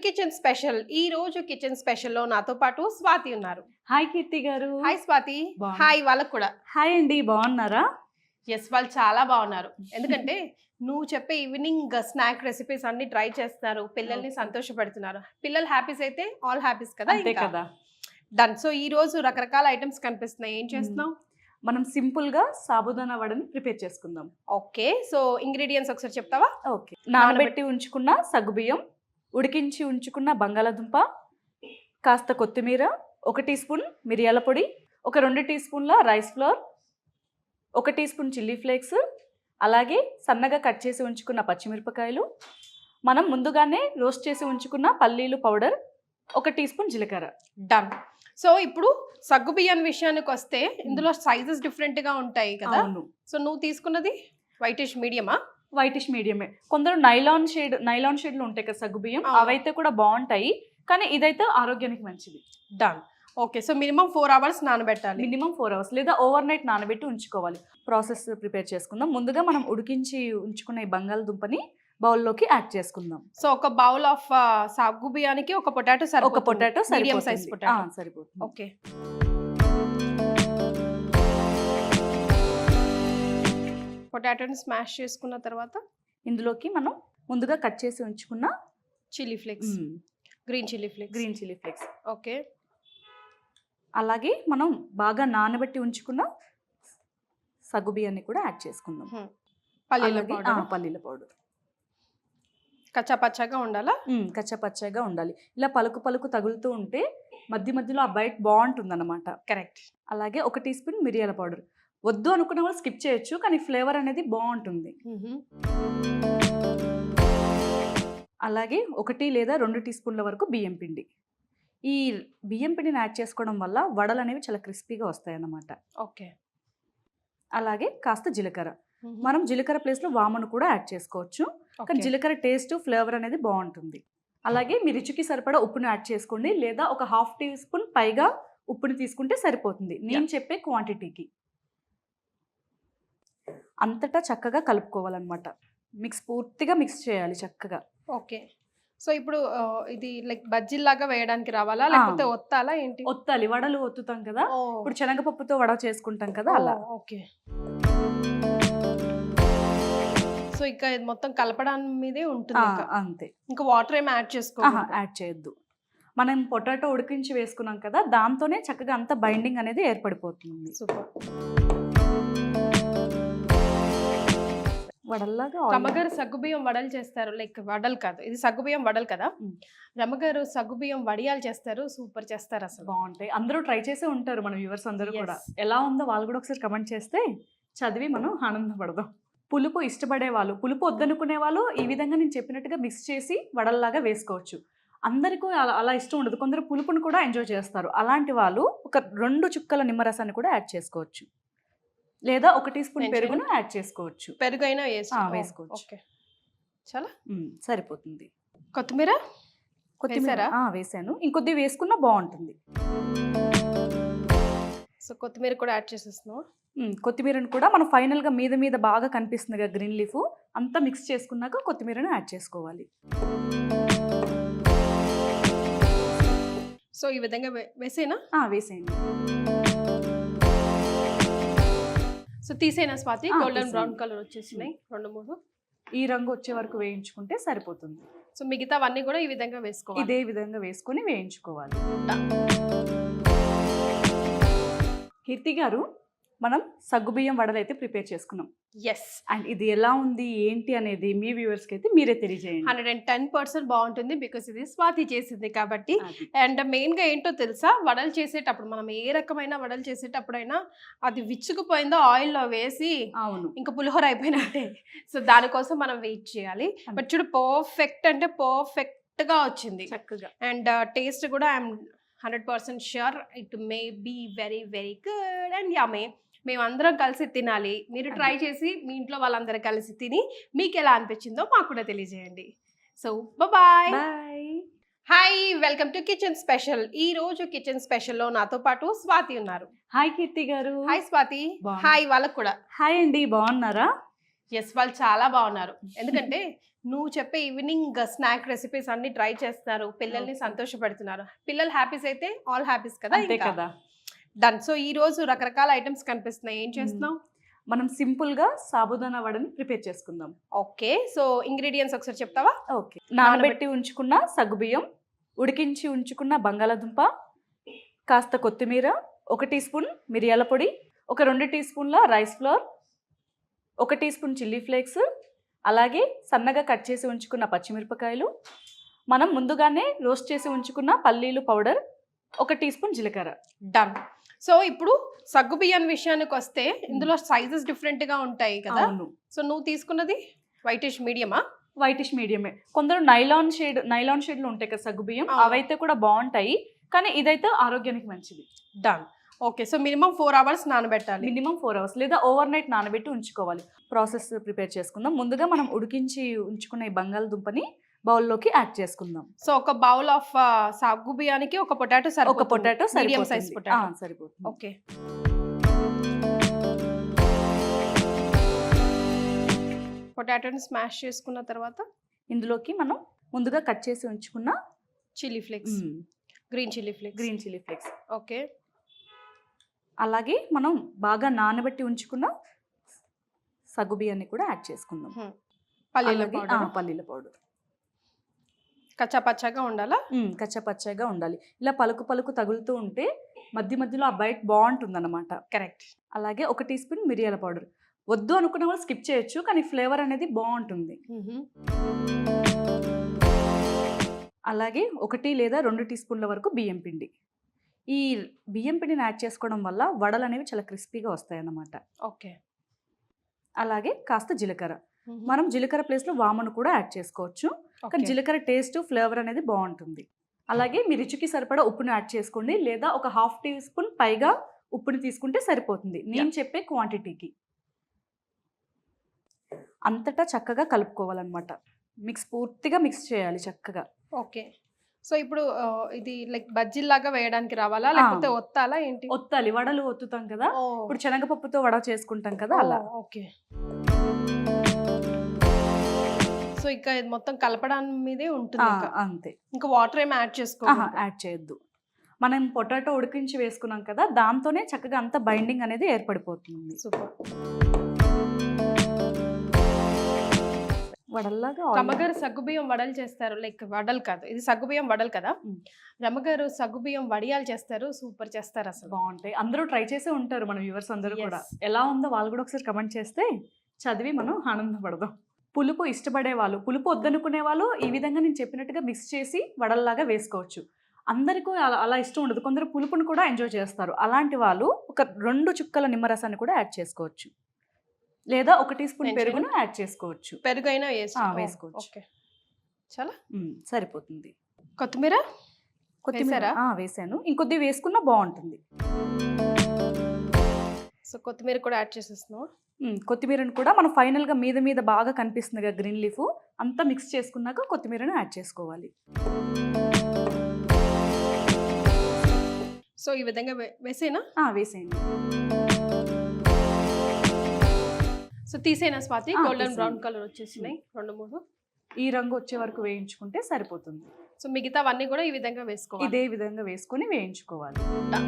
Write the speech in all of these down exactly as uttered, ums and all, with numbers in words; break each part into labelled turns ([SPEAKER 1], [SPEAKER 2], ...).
[SPEAKER 1] Kitchen special. ఈ రోజు kitchen special లో నాతో పాటు స్వాతి ఉన్నారు.
[SPEAKER 2] హాయ్ కీర్తి గారు.
[SPEAKER 1] హాయ్ స్వాతి.
[SPEAKER 2] బాగున్నా.
[SPEAKER 1] హాయ్ వాళ్ళకు కూడా.
[SPEAKER 2] హాయ్ అండి, బాగున్నారా?
[SPEAKER 1] ఎస్, వాళ్ళు చాలా బాగున్నారు. ఎందుకంటే నువ్వు చెప్పే ఈవినింగ్ స్నాక్ రెసిపీస్ అన్ని ట్రై చేస్తున్నారు, పిల్లల్ని సంతోషపెడుతున్నారు. పిల్లలు హ్యాపీస్ అయితే ఆల్ హ్యాపీస్ కదా.
[SPEAKER 2] అంతే కదా.
[SPEAKER 1] డన్. సో ఈ రోజు రకరకాల ఐటమ్స్ కనిపిస్తున్నాయి. ఏం చేస్తున్నావు?
[SPEAKER 2] మనం సింపుల్ గా సాబుదానా వడని ప్రిపేర్ చేసుకుందాం.
[SPEAKER 1] ఓకే, సో ఇంగ్రీడియంట్స్ ఒకసారి చెప్తావా?
[SPEAKER 2] ఓకే, నానబెట్టి ఉంచుకున్న సగ్గుబియ్యం, ఉడికించి ఉంచుకున్న బంగాళాదుంప, కాస్త కొత్తిమీర, ఒక టీ స్పూన్ మిరియాల పొడి, ఒక రెండు టీ స్పూన్ల రైస్ ఫ్లోర్, ఒక టీ స్పూన్ చిల్లీ ఫ్లేక్స్, అలాగే సన్నగా కట్ చేసి ఉంచుకున్న పచ్చిమిరపకాయలు, మనం ముందుగానే రోస్ట్ చేసి ఉంచుకున్న పల్లీలు పౌడర్, ఒక టీ స్పూన్ జీలకర్ర.
[SPEAKER 1] డన్. సో ఇప్పుడు సగ్గు బియ్యం విషయానికి వస్తే ఇందులో సైజెస్ డిఫరెంట్ గా ఉంటాయి కదా. సో నువ్వు తీసుకున్నది వైటిష్ మీడియమా?
[SPEAKER 2] వైటిష్ మీడియమే. కొందరు నైలాన్ షేడ్ నైలాన్ షేడ్లు ఉంటాయి కదా సగ్గు బియ్యం, అవైతే కూడా బాగుంటాయి, కానీ ఇదైతే ఆరోగ్యానికి మంచిది.
[SPEAKER 1] Done. Okay, so minimum four hours నానబెట్టాలి.
[SPEAKER 2] మినిమం ఫోర్ అవర్స్ లేదా ఓవర్ నైట్ నానబెట్టి ఉంచుకోవాలి. ప్రాసెస్ ప్రిపేర్ చేసుకుందాం. ముందుగా మనం ఉడికించి ఉంచుకున్న ఈ బంగాళదుంపని బౌల్లోకి యాడ్ చేసుకుందాం.
[SPEAKER 1] సో ఒక బౌల్ ఆఫ్ సగ్గు బియ్యానికి ఒక పొటాటో సరిపోతుంది.
[SPEAKER 2] ఒక పొటాటో
[SPEAKER 1] మీడియం సైజ్ పొటాటో
[SPEAKER 2] సరిపోతుంది.
[SPEAKER 1] ఓకే, పొటాటోని స్మాష్ చేసుకున్న తర్వాత
[SPEAKER 2] ఇందులోకి మనం ముందుగా కట్ చేసి ఉంచుకున్న
[SPEAKER 1] chilli flakes, green chilli flakes
[SPEAKER 2] green chilli flakes
[SPEAKER 1] okay,
[SPEAKER 2] అలాగే మనం బాగా నానబెట్టి ఉంచుకున్న సగ్గు బియ్యాన్ని కూడా యాడ్ చేసుకుందాం.
[SPEAKER 1] పల్లీల పౌడర్.
[SPEAKER 2] పల్లీల పౌడర్
[SPEAKER 1] కచ్చా పచ్చాగా ఉండాలా?
[SPEAKER 2] కచ్చా పచ్చాగా ఉండాలి. ఇలా పలుకు పలుకు తగులుతూ ఉంటే మధ్య మధ్యలో ఆ బైట్ బాగుంటుంది అన్నమాట.
[SPEAKER 1] కరెక్ట్.
[SPEAKER 2] అలాగే ఒక టీ స్పూన్ మిరియాల పౌడర్. వద్దు అనుకున్న వాళ్ళు స్కిప్ చేయొచ్చు, కానీ ఫ్లేవర్ అనేది బాగుంటుంది. అలాగే ఒకటి లేదా రెండు టీ స్పూన్ల వరకు బియ్యం పిండి. ఈ బియ్యం పిండిని యాడ్ చేసుకోవడం వల్ల వడలు అనేవి చాలా క్రిస్పీగా వస్తాయి అన్నమాట.
[SPEAKER 1] ఓకే.
[SPEAKER 2] అలాగే కాస్త జీలకర్ర. మనం జీలకర్ర ప్లేస్లో వామును కూడా యాడ్ చేసుకోవచ్చు, కానీ జీలకర్ర టేస్ట్ ఫ్లేవర్ అనేది బాగుంటుంది. అలాగే మీ రుచికి సరిపడా ఉప్పును యాడ్ చేసుకోండి, లేదా ఒక హాఫ్ టీ స్పూన్ పైగా ఉప్పుని తీసుకుంటే సరిపోతుంది నేను చెప్పే క్వాంటిటీకి. అంతటా చక్కగా కలుపుకోవాలన్నమాట. మిక్స్ పూర్తిగా మిక్స్ చేయాలి చక్కగా.
[SPEAKER 1] ఓకే, సో ఇప్పుడు ఇది లైక్ బజ్జీలాగా వేయడానికి రావాలా, లేకపోతే ఒత్తాలా ఏంటి?
[SPEAKER 2] ఒత్తాలి. వడలు ఒత్తుతాం కదా, ఇప్పుడు శనగపప్పుతో వడ చేసుకుంటాం కదా అలా.
[SPEAKER 1] ఓకే, సో ఇంకా ఇది మొత్తం కలపడానికి మీదే ఉంటుంది.
[SPEAKER 2] అంతే,
[SPEAKER 1] ఇంకా వాటర్ ఏమి యాడ్ చేసుకో
[SPEAKER 2] యాడ్ చేయొద్దు. మనం పొటాటో ఉడికించి వేసుకున్నాం కదా, దాంతోనే చక్కగా అంత బైండింగ్ అనేది ఏర్పడిపోతుంది.
[SPEAKER 1] సూపర్.
[SPEAKER 2] వడల్లాగా
[SPEAKER 1] రమ్మగారు సగ్గుబియ్యం వడలు చేస్తారు. లైక్ వడలు కాదు, ఇది సగ్గుబియ్యం వడలు కదా. రమ్మగారు సగ్గుబియ్యం వడియాలు చేస్తారు, సూపర్ చేస్తారు, అసలు
[SPEAKER 2] బాగుంటాయి. అందరూ ట్రై చేసే ఉంటారు మన వ్యూవర్స్ అందరూ కూడా. ఎలా ఉందో వాళ్ళు కూడా ఒకసారి కమెంట్ చేస్తే చదివి మనం ఆనందపడదాం. పులుపు ఇష్టపడే వాళ్ళు, పులుపు వద్దనుకునే వాళ్ళు ఈ విధంగా నేను చెప్పినట్టుగా మిక్స్ చేసి వడల్లాగా వేసుకోవచ్చు. అందరికీ అలా అలా ఇష్టం ఉండదు, కొందరు పులుపుని కూడా ఎంజాయ్ చేస్తారు. అలాంటి వాళ్ళు ఒక రెండు చుక్కల నిమ్మరసాన్ని కూడా యాడ్ చేసుకోవచ్చు, లేదా ఒక టీ స్పూన్ పెరుగును యాడ్ చేసుకోవచ్చు.
[SPEAKER 1] పెరుగు అయినా
[SPEAKER 2] వేసుకోవచ్చు.
[SPEAKER 1] ఓకే, చాలా
[SPEAKER 2] సరిపోతుంది.
[SPEAKER 1] కొత్తిమీర
[SPEAKER 2] కొత్తిమీర వేసాను, ఇంకొద్ది వేసుకున్నా బాగుంటుంది.
[SPEAKER 1] సో కొత్తిమీర కూడా యాడ్ చేసేస్తున్నావు.
[SPEAKER 2] కొత్తిమీరను కూడా మనం ఫైనల్గా మీద మీద బాగా కనిపిస్తుంది కదా గ్రీన్ లీఫ్, అంతా మిక్స్ చేసుకున్నాక కొత్తిమీరను యాడ్ చేసుకోవాలి.
[SPEAKER 1] సో ఈ విధంగా వేసేనా?
[SPEAKER 2] వేసేయండి.
[SPEAKER 1] సో తీసేనా స్వాతి? గోల్డెన్ బ్రౌన్ కలర్ వచ్చేసినాయి రెండు మూడు.
[SPEAKER 2] ఈ రంగు వచ్చే వరకు వేయించుకుంటే సరిపోతుంది.
[SPEAKER 1] సో మిగతావన్నీ కూడా ఈ విధంగా వేసుకోవాలి.
[SPEAKER 2] ఇదే విధంగా వేసుకొని వేయించుకోవాలి. కీర్తి గారు, మనం సగ్గుబియ్యం వడలు అయితే ప్రిపేర్ చేసుకున్నాం.
[SPEAKER 1] ఎస్,
[SPEAKER 2] అండ్ ఇది ఎలా ఉంది ఏంటి అనేది మీ వ్యూవర్స్కి అయితే మీరే తెలియజేయండి.
[SPEAKER 1] హండ్రెడ్ అండ్ టెన్ పర్సెంట్ బాగుంటుంది, బికాస్ ఇది స్వాతి చేసింది కాబట్టి. అండ్ మెయిన్గా ఏంటో తెలుసా, వడలు చేసేటప్పుడు మనం ఏ రకమైన వడలు చేసేటప్పుడైనా అది విచ్చుకుపోయిందో ఆయిల్లో వేసి
[SPEAKER 2] అవును
[SPEAKER 1] ఇంకా పులిహోర అయిపోయినట్టే. సో దానికోసం మనం వెయిట్ చేయాలి. బట్ చూడు, పర్ఫెక్ట్ అంటే పర్ఫెక్ట్గా వచ్చింది
[SPEAKER 2] చక్కగా.
[SPEAKER 1] అండ్ టేస్ట్ కూడా I'm hundred percent sure it may be very very good and yummy. మేమందరం కలిసి తినాలి. మీరు ట్రై చేసి మీ ఇంట్లో వాళ్ళందరూ కలిసి తిని మీకు ఎలా అనిపించిందో మాకు కూడా తెలియజేయండి. So bye. Hi, welcome to kitchen special. ఈ రోజు కిచెన్ స్పెషల్ లో నాతో పాటు స్వాతి ఉన్నారు.
[SPEAKER 2] హాయ్ కీర్తి గారు.
[SPEAKER 1] హాయ్ స్వాతి. హాయ్ వాళ్ళకు కూడా.
[SPEAKER 2] హాయ్ అండి, బాగున్నారా?
[SPEAKER 1] ఎస్ వాళ్ళు చాలా బాగున్నారు. ఎందుకంటే నువ్వు చెప్పే ఈవినింగ్ స్నాక్ రెసిపీస్ అన్ని ట్రై చేస్తున్నారు, పిల్లల్ని
[SPEAKER 2] Okay.
[SPEAKER 1] సంతోషపెడుతున్నారు. పిల్లలు హ్యాపీస్ అయితే ఆల్ హ్యాపీస్ కదా.
[SPEAKER 2] అంతే కదా.
[SPEAKER 1] డన్. సో ఈ రోజు రకరకాల ఐటమ్స్ కనిపిస్తున్నాయి, ఏం చేస్తున్నావు?
[SPEAKER 2] మనం సింపుల్ గా సాబుదానా వడని ప్రిపేర్ చేసుకుందాం.
[SPEAKER 1] ఓకే, సో ఇంగ్రీడియంట్స్ ఒకసారి చెప్తావా?
[SPEAKER 2] ఓకే, నానబెట్టి ఉంచుకున్న సగ్గుబియ్యం, ఉడికించి ఉంచుకున్న బంగాళాదుంప, కాస్త కొత్తిమీర, ఒక టీ స్పూన్ మిరియాల పొడి, ఒక రెండు టీ స్పూన్ల రైస్ ఫ్లోర్, ఒక టీ స్పూన్ చిల్లీ ఫ్లేక్స్, అలాగే సన్నగా కట్ చేసి ఉంచుకున్న పచ్చిమిరపకాయలు, మనం ముందుగానే రోస్ట్ చేసి ఉంచుకున్న పల్లీలు పౌడర్, ఒక టీ స్పూన్ జీలకర్ర.
[SPEAKER 1] డన్. సో ఇప్పుడు సగ్గు బియ్యం విషయానికి వస్తే ఇందులో సైజెస్ డిఫరెంట్ గా ఉంటాయి కదా.
[SPEAKER 2] అవును,
[SPEAKER 1] సో నువ్వు తీసుకున్నది వైటిష్ మీడియమా?
[SPEAKER 2] వైటిష్ మీడియమే. కొందరు నైలాన్ షేడ్ నైలాన్ షేడ్లు ఉంటాయి కదా సగ్గుబియ్యం,
[SPEAKER 1] అవును.
[SPEAKER 2] అవైతే కూడా బాగుంటాయి, కానీ ఇదైతే ఆరోగ్యానికి మంచిది.
[SPEAKER 1] Done. Okay, so minimum four hours నానబెట్టాలి.
[SPEAKER 2] మినిమం ఫోర్ అవర్స్ లేదా ఓవర్ నైట్ నానబెట్టి ఉంచుకోవాలి. ప్రాసెస్ ప్రిపేర్ చేసుకుందాం. ముందుగా మనం ఉడికించి ఉంచుకున్న ఈ బంగాళదుంపని బౌల్లోకి యాడ్ చేసుకుందాం.
[SPEAKER 1] సో ఒక బౌల్ ఆఫ్ సగ్గు బియ్యానికి ఒక పొటాటో
[SPEAKER 2] ఒక
[SPEAKER 1] సరిపోతుంది.
[SPEAKER 2] Potato
[SPEAKER 1] medium size potato.
[SPEAKER 2] సరిపోతుంది.
[SPEAKER 1] ఓకే, పొటాటోని స్మాష్ చేసుకున్న తర్వాత
[SPEAKER 2] ఇందులోకి మనం ముందుగా కట్ చేసి ఉంచుకున్న
[SPEAKER 1] chilli flakes, green chilli flakes.
[SPEAKER 2] Green chilli flakes,
[SPEAKER 1] okay,
[SPEAKER 2] అలాగే మనం బాగా నానబెట్టి ఉంచుకున్న సగ్గుబియ్యాన్ని కూడా యాడ్ చేసుకుందాం.
[SPEAKER 1] పల్లీల
[SPEAKER 2] అలాగే,
[SPEAKER 1] పౌడర్.
[SPEAKER 2] ఆ, పల్లీల పౌడర్
[SPEAKER 1] కచ్చా పచ్చగా ఉండాలా?
[SPEAKER 2] కచ్చపచ్చగా ఉండాలి. ఇలా పలుకు పలుకు తగులుతూ ఉంటే మధ్య మధ్యలో ఆ బైట్ బాగుంటుంది అన్నమాట.
[SPEAKER 1] కరెక్ట్.
[SPEAKER 2] అలాగే ఒక టీ స్పూన్ మిరియాల పౌడర్. వద్దు అనుకున్న వాళ్ళు స్కిప్ చేయొచ్చు, కానీ ఫ్లేవర్ అనేది బాగుంటుంది. అలాగే ఒకటి లేదా రెండు టీ స్పూన్ల వరకు బియ్యం పిండి. ఈ బియ్యం పిండిని యాడ్ చేసుకోవడం వల్ల వడలు అనేవి చాలా క్రిస్పీగా వస్తాయి అన్నమాట.
[SPEAKER 1] ఓకే,
[SPEAKER 2] అలాగే కాస్త జీలకర్ర. మనం జీలకర్ర ప్లేస్లో వామను కూడా యాడ్ చేసుకోవచ్చు, కానీ జీలకర్ర టేస్ట్ ఫ్లేవర్ అనేది బాగుంటుంది. అలాగే మీ రుచికి సరిపడా ఉప్పుని యాడ్ చేసుకోండి, లేదా ఒక హాఫ్ టీ స్పూన్ పైగా ఉప్పుని తీసుకుంటే సరిపోతుంది నేను చెప్పే క్వాంటిటీకి. అంతటా చక్కగా కలుపుకోవాలన్నమాట. మిక్స్ పూర్తిగా మిక్స్ చేయాలి చక్కగా.
[SPEAKER 1] ఓకే, సో ఇప్పుడు ఆ, ఇది లైక్ బజ్జీలాగా వేయడానికి రావాలా లేకపోతే ఒత్తాలా ఏంటి?
[SPEAKER 2] ఒత్తాలి, వడలు ఒత్తుతాం కదా,
[SPEAKER 1] ఓ,
[SPEAKER 2] ఇప్పుడు శనగపప్పుతో వడ చేసుకుంటాం కదా అలా.
[SPEAKER 1] ఓ, ఓకే. సో ఇక ఇది మొత్తం కలపడానికి మీదే ఉంటుంది
[SPEAKER 2] ఆ,
[SPEAKER 1] ఇంకా.
[SPEAKER 2] అంతే.
[SPEAKER 1] ఇంకా వాటర్ ఏమి యాడ్
[SPEAKER 2] ఆహా,
[SPEAKER 1] చేసుకోవాలి?
[SPEAKER 2] యాడ్ చేయొద్దు. మనం పొటాటో ఉడికించి వేసుకున్నాం కదా, దాంతోనే చక్కగా అంత బైండింగ్ అనేది ఏర్పడిపోతుంది.
[SPEAKER 1] సూపర్.
[SPEAKER 2] వడల్లాగా
[SPEAKER 1] రమ్మగారు సగ్గుబియ్యం వడలు చేస్తారు, లైక్ వడలు కాదు, ఇది సగ్గుబియ్యం వడలు కదా.
[SPEAKER 2] మ్.
[SPEAKER 1] రమ్మగారు సగ్గుబియ్యం వడియాలు చేస్తారు, సూపర్ చేస్తారు అసలు.
[SPEAKER 2] బాగుంటాయి. అందరూ ట్రై చేసే ఉంటారు మన వ్యూవర్స్ అందరూ
[SPEAKER 1] Yes.
[SPEAKER 2] కూడా. ఎలా ఉందో వాళ్ళు కూడా ఒకసారి కమెంట్ చేస్తే చదివి మనం ఆనందపడదాం. పులుపు ఇష్టపడే వాళ్ళు, పులుపు వద్దనుకునే వాళ్ళు ఈ విధంగా నేను చెప్పినట్టుగా మిక్స్ చేసి వడల్లాగా వేసుకోవచ్చు. అందరికీ అలా అలా ఇష్టం ఉండదు, కొందరు పులుపుని కూడా ఎంజాయ్ చేస్తారు. అలాంటి వాళ్ళు ఒక రెండు చుక్కల నిమ్మరసాన్ని కూడా యాడ్ చేసుకోవచ్చు, లేదా ఒక టీ స్పూన్
[SPEAKER 1] నేను
[SPEAKER 2] పెరుగును యాడ్ చేసుకోవచ్చు.
[SPEAKER 1] పెరుగు అయినా వేసి
[SPEAKER 2] ఆ, వేసుకోవచ్చు.
[SPEAKER 1] ఓకే, చాలా
[SPEAKER 2] ఉమ్, సరిపోతుంది.
[SPEAKER 1] కొత్తిమీర
[SPEAKER 2] కొత్తిమీర
[SPEAKER 1] వేశారా?
[SPEAKER 2] ఆ, వేసాను. ఇంకొద్ది వేసుకున్నా బాగుంటుంది.
[SPEAKER 1] సో కొత్తిమీర కూడా యాడ్ చేసేస్తున్నాం.
[SPEAKER 2] ఉమ్, కొత్తిమీరను కూడా మనం ఫైనల్గా మీద మీద బాగా కనిపిస్తుంది కదా గ్రీన్ లీఫ్, అంతా మిక్స్ చేసుకున్నాక కొత్తిమీరను యాడ్ చేసుకోవాలి.
[SPEAKER 1] సో ఈ విధంగా వే- వేసేనా?
[SPEAKER 2] ఆ, వేసేయండి.
[SPEAKER 1] సో తీసేనా స్వాతి?
[SPEAKER 2] ఆ,
[SPEAKER 1] గోల్డెన్
[SPEAKER 2] తీసేయండి.
[SPEAKER 1] బ్రౌన్ కలర్ వచ్చేసినాయి రెండు మూడు.
[SPEAKER 2] ఈ రంగు వచ్చే వరకు వేయించుకుంటే సరిపోతుంది.
[SPEAKER 1] సో మిగతావన్నీ కూడా ఈ విధంగా వేసుకోవాలి.
[SPEAKER 2] ఇదే విధంగా వేసుకొని వేయించుకోవాలి.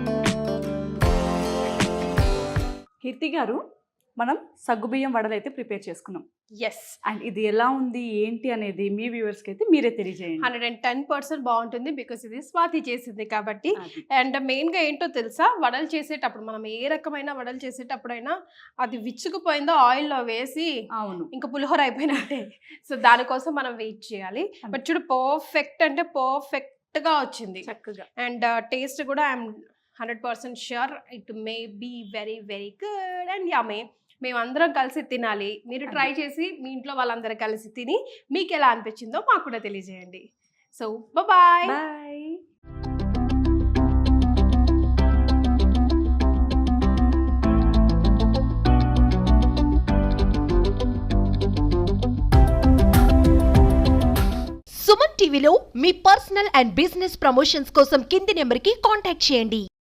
[SPEAKER 2] కీర్తి గారు, మనం సగ్గుబియ్యం వడలు అయితే ప్రిపేర్ చేసుకున్నాం.
[SPEAKER 1] ఎస్,
[SPEAKER 2] అండ్ ఇది ఎలా ఉంది ఏంటి అనేది మీ వ్యూవర్స్కి అయితే మీరే తెలియజేయండి.
[SPEAKER 1] హండ్రెడ్ అండ్ టెన్ పర్సెంట్ బాగుంటుంది, బికాస్ ఇది స్వాతి చేసింది కాబట్టి.
[SPEAKER 2] అది.
[SPEAKER 1] అండ్ మెయిన్గా ఏంటో తెలుసా, వడలు చేసేటప్పుడు మనం ఏ రకమైన వడలు చేసేటప్పుడైనా అది విచ్చుకుపోయిందో ఆయిల్లో వేసి
[SPEAKER 2] అవును,
[SPEAKER 1] ఇంకా పులిహోర అయిపోయినట్టే. సో దానికోసం మనం వెయిట్ చేయాలి. బట్ చూడు, పర్ఫెక్ట్ అంటే పర్ఫెక్ట్గా వచ్చింది.
[SPEAKER 2] చక్కగా.
[SPEAKER 1] అండ్ టేస్ట్ కూడా I'm hundred percent sure it may be very very good and yummy. మేము అందరం కలిసి తినాలి. మీరు ట్రై చేసి మీ ఇంట్లో వాళ్ళందరూ కలిసి తిని మీకు ఎలా అనిపించిందో మాకు కూడా తెలియజేయండి. So bye.
[SPEAKER 2] బాయ్.
[SPEAKER 3] సుమన్ టీవీలో మీ పర్సనల్ అండ్ బిజినెస్ ప్రమోషన్స్ కోసం కింది నెంబర్కి కాంటాక్ట్ చేయండి.